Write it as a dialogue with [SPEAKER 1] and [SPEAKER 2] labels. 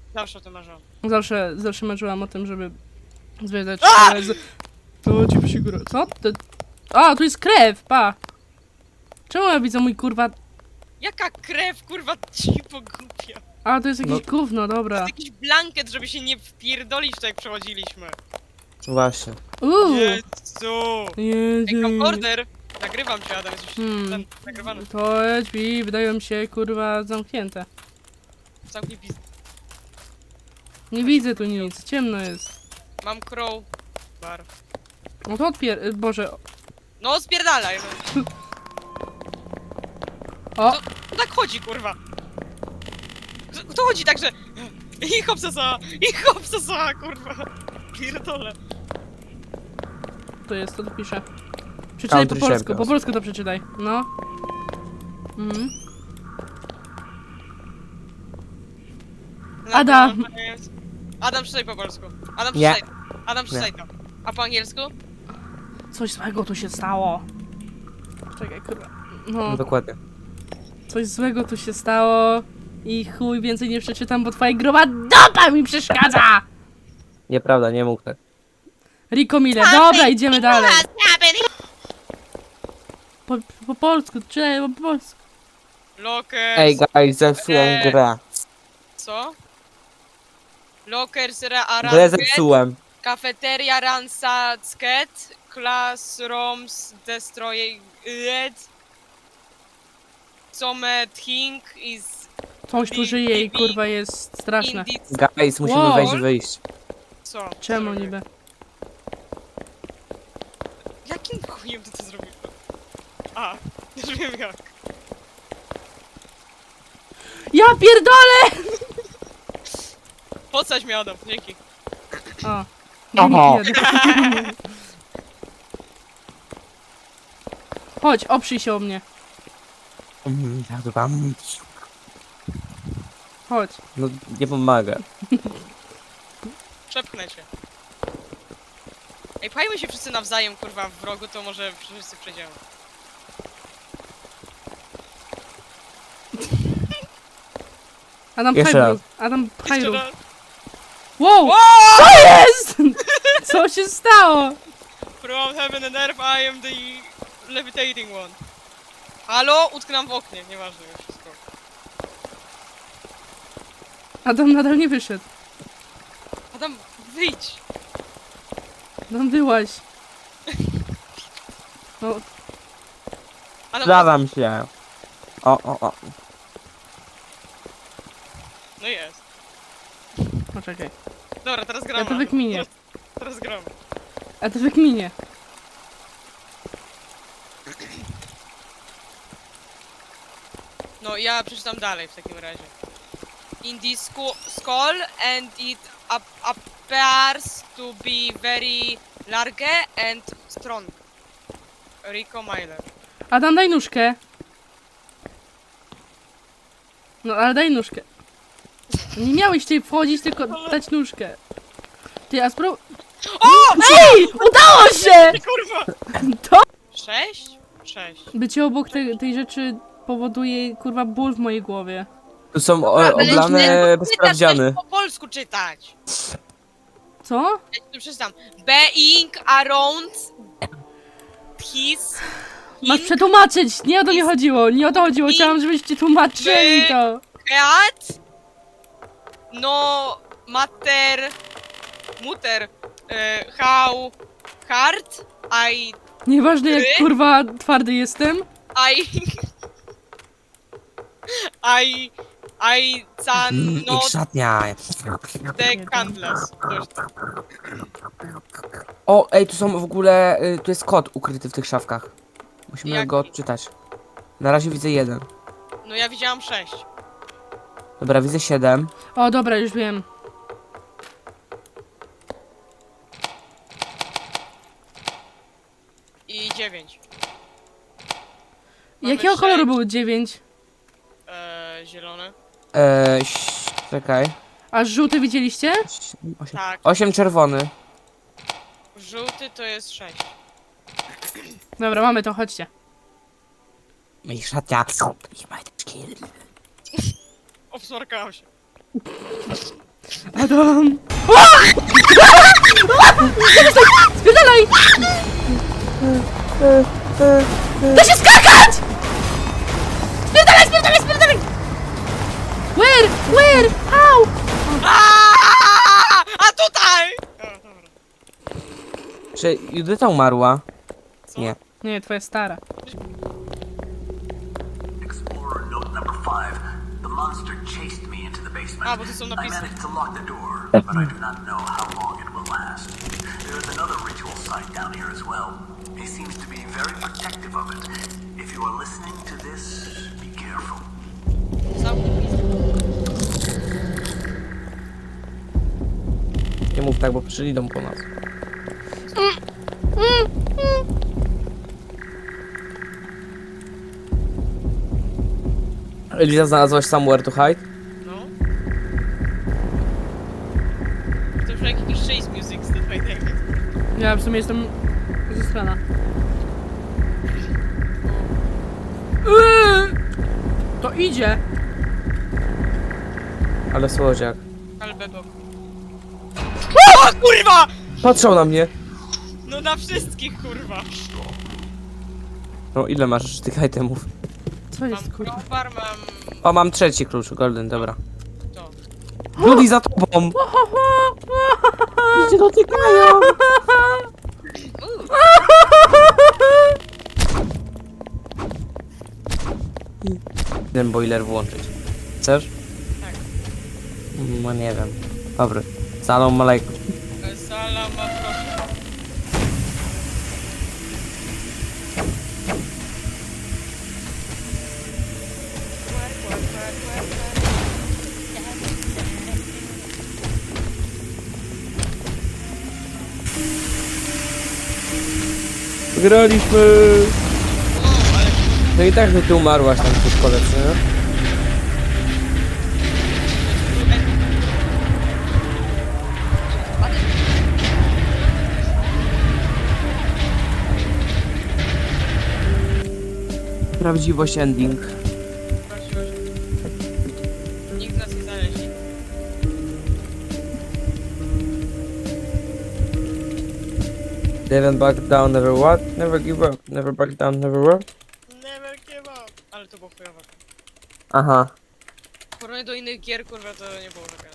[SPEAKER 1] Zawsze o tym marzyłam.
[SPEAKER 2] Zawsze marzyłam o tym, żeby zwiedzać szkołę z... To ci psigura. Co? A, tu jest krew, pa! Czemu ja widzę mój kurwa...
[SPEAKER 1] Jaka krew, kurwa, ci pogubia.
[SPEAKER 2] A, to jest jakieś gówno,
[SPEAKER 1] To
[SPEAKER 2] dobra.
[SPEAKER 1] jest jakiś blanket, żeby się nie wpierdolić tak jak przechodziliśmy.
[SPEAKER 3] Właśnie.
[SPEAKER 1] Jezu! Ej,
[SPEAKER 2] Jezu.
[SPEAKER 1] camcorder! Nagrywam cię, Adam, jesteś ten nagrywany.
[SPEAKER 2] To drzwi wydają mi się, kurwa, zamknięte.
[SPEAKER 1] Zamknij pizdę.
[SPEAKER 2] Nie widzę tu nic, ciemno jest.
[SPEAKER 1] Mam crow bar.
[SPEAKER 2] No to Boże.
[SPEAKER 1] No spierdalaj, no.
[SPEAKER 2] O!
[SPEAKER 1] To tak chodzi, kurwa. To chodzi tak, że... I hopsasa, kurwa. Pierdolę.
[SPEAKER 2] To jest, to piszę. Przeczytaj po
[SPEAKER 3] Country
[SPEAKER 2] polsku,
[SPEAKER 3] Champions.
[SPEAKER 2] po polsku to przeczytaj. No. Mhm. Adam.
[SPEAKER 1] Adam, przeczytaj po polsku. Adam,
[SPEAKER 3] Nie.
[SPEAKER 1] przeczytaj. Adam, przeczytaj to. A po angielsku?
[SPEAKER 2] Coś złego tu się stało. Czekaj, kurwa. No,
[SPEAKER 3] Dokładnie.
[SPEAKER 2] coś złego tu się stało. I chuj, więcej nie przeczytam, bo twoja groba dopa mi przeszkadza!
[SPEAKER 3] Nieprawda, nie mógł tak.
[SPEAKER 2] Rico Miller, dobra, idziemy dalej. Po polsku, czytaj po polsku.
[SPEAKER 1] Lockers.
[SPEAKER 3] Ej, guys, zepsułem grę.
[SPEAKER 1] Co? Lockers
[SPEAKER 3] Grę
[SPEAKER 1] Aranget,
[SPEAKER 3] zepsułem.
[SPEAKER 1] Cafeteria Ransacet, Classrooms Destroyed, Something is
[SPEAKER 2] Coś tu żyje i kurwa jest straszne.
[SPEAKER 1] in this...
[SPEAKER 3] Guys, musimy
[SPEAKER 2] Wow.
[SPEAKER 3] wejść i wyjść.
[SPEAKER 1] Co?
[SPEAKER 2] Czemu
[SPEAKER 1] Co
[SPEAKER 2] niby?
[SPEAKER 1] Jakim chujem ty to zrobiłeś? A, już wiem jak.
[SPEAKER 2] Ja pierdolę!
[SPEAKER 1] Podsadź mnie, Adam, dzięki.
[SPEAKER 2] O.
[SPEAKER 3] Aha.
[SPEAKER 2] Nie. Chodź, oprzyj się o mnie. Chodź.
[SPEAKER 3] No, nie pomaga.
[SPEAKER 1] Przepchnę cię. Ej, pchajmy się wszyscy nawzajem, kurwa, w rogu, to może wszyscy przejdziemy.
[SPEAKER 2] Adam
[SPEAKER 3] Jeszcze
[SPEAKER 2] pchaj
[SPEAKER 3] raz.
[SPEAKER 2] rób. Adam pchaj
[SPEAKER 1] Jeszcze
[SPEAKER 2] rób.
[SPEAKER 1] raz.
[SPEAKER 2] Wow! Co jest? Co się stało?
[SPEAKER 1] From heaven and earth, I am the levitating one. Halo? Utknęłam w oknie, nieważne już wszystko.
[SPEAKER 2] Adam nadal nie wyszedł.
[SPEAKER 1] Adam, wyjdź!
[SPEAKER 2] Adam wyłaź. No,
[SPEAKER 1] Adam,
[SPEAKER 3] Zgadzam się. O.
[SPEAKER 1] no jest.
[SPEAKER 2] poczekaj.
[SPEAKER 1] Dobra, teraz gramy.
[SPEAKER 2] Ja to wykminię.
[SPEAKER 1] Teraz gramy.
[SPEAKER 2] A to wykminie.
[SPEAKER 1] No, ja przeczytam dalej w takim razie. In this skull and it appears to be very large and strong. Rico Miller.
[SPEAKER 2] Adam, daj nóżkę. No, ale daj nóżkę. Nie miałeś tutaj wchodzić, tylko dać nóżkę. Ty, a spróbuj...
[SPEAKER 1] O!
[SPEAKER 2] Ej! Udało się!
[SPEAKER 1] Kurwa!
[SPEAKER 2] To...
[SPEAKER 1] 6? 6.
[SPEAKER 2] Bycie obok tej rzeczy powoduje, kurwa, ból w mojej głowie.
[SPEAKER 3] Tu są
[SPEAKER 1] Ale
[SPEAKER 3] oblane
[SPEAKER 1] źle
[SPEAKER 3] bezprawdziany.
[SPEAKER 1] po polsku czytać.
[SPEAKER 2] Co?
[SPEAKER 1] Ja ci to przeczytam. Being around his...
[SPEAKER 2] Masz przetłumaczyć! Nie o to mi chodziło, nie o to chodziło. Chciałam, żebyście tłumaczyli to.
[SPEAKER 1] Cat? No matter... Mutter. How hard
[SPEAKER 2] Nieważne jak, kurwa, twardy jestem.
[SPEAKER 1] I can not
[SPEAKER 3] szatnia.
[SPEAKER 1] the candles.
[SPEAKER 3] O, ej, tu są w ogóle, tu jest kod ukryty w tych szafkach. Musimy
[SPEAKER 1] Jaki?
[SPEAKER 3] go odczytać. Na razie widzę 1.
[SPEAKER 1] No ja widziałam 6.
[SPEAKER 3] Dobra, widzę 7.
[SPEAKER 2] O, dobra, już wiem.
[SPEAKER 1] I 9.
[SPEAKER 2] Jakiego koloru było 9?
[SPEAKER 1] Zielone.
[SPEAKER 3] Czekaj.
[SPEAKER 2] A żółty widzieliście?
[SPEAKER 3] 8,
[SPEAKER 1] Tak.
[SPEAKER 3] 8 czerwony.
[SPEAKER 1] Żółty to jest 6.
[SPEAKER 2] Dobra, mamy to, chodźcie.
[SPEAKER 3] I szatnia.
[SPEAKER 1] Obsmarkałam się.
[SPEAKER 2] Adam! Spierdalaj! Da się skakać! Spierdalaj, spierdalaj, spierdalaj! Where? Au!
[SPEAKER 1] A tutaj! O, dobra.
[SPEAKER 3] Czy Judyta umarła?
[SPEAKER 1] Co?
[SPEAKER 3] Nie.
[SPEAKER 2] Nie, twoja stara.
[SPEAKER 4] Explorer note number 5. The monster chased me into the basement.
[SPEAKER 1] A, bo tu są
[SPEAKER 4] I
[SPEAKER 1] napisy.
[SPEAKER 4] managed to lock the door, but I do not know how long it will last. There is another ritual site down here as well. He seems to be very protective of it. If you are listening to this, be careful.
[SPEAKER 1] Zamknij pizdę.
[SPEAKER 3] Nie mów tak, bo przyjdą po nas. Eliza, znalazłaś somewhere to hide?
[SPEAKER 1] No. To już jakiś chase music z Dead by Daylight.
[SPEAKER 2] Ja w sumie jestem ze strona. To idzie.
[SPEAKER 3] Ale słodziak.
[SPEAKER 1] Ale bebop. O kurwa!
[SPEAKER 3] Patrzał na mnie.
[SPEAKER 1] No na wszystkich kurwa.
[SPEAKER 3] No ile masz jeszcze tych itemów?
[SPEAKER 2] Co jest,
[SPEAKER 1] Mam
[SPEAKER 2] kurwa?
[SPEAKER 1] crowbar, mam
[SPEAKER 3] O, mam trzeci klucz, golden, dobra.
[SPEAKER 1] to.
[SPEAKER 3] Judy, za tobą! Idzie dotykają! Ten boiler włączyć. Chcesz?
[SPEAKER 1] Tak.
[SPEAKER 3] No nie wiem. Dobry. Salam alaikum.
[SPEAKER 1] Salam, proszę.
[SPEAKER 3] Wygraliśmy! No i tak, że ty umarłaś tam w szkole, co nie? Prawdziwość ending.
[SPEAKER 1] Nikt nas nie znaleźli.
[SPEAKER 3] Never back down, never what? Never give up. Never back down, never what?
[SPEAKER 1] Never give up. Ale to było chujowe.
[SPEAKER 3] Aha.
[SPEAKER 1] W porównaniu do innych gier, kurwa, to nie było taka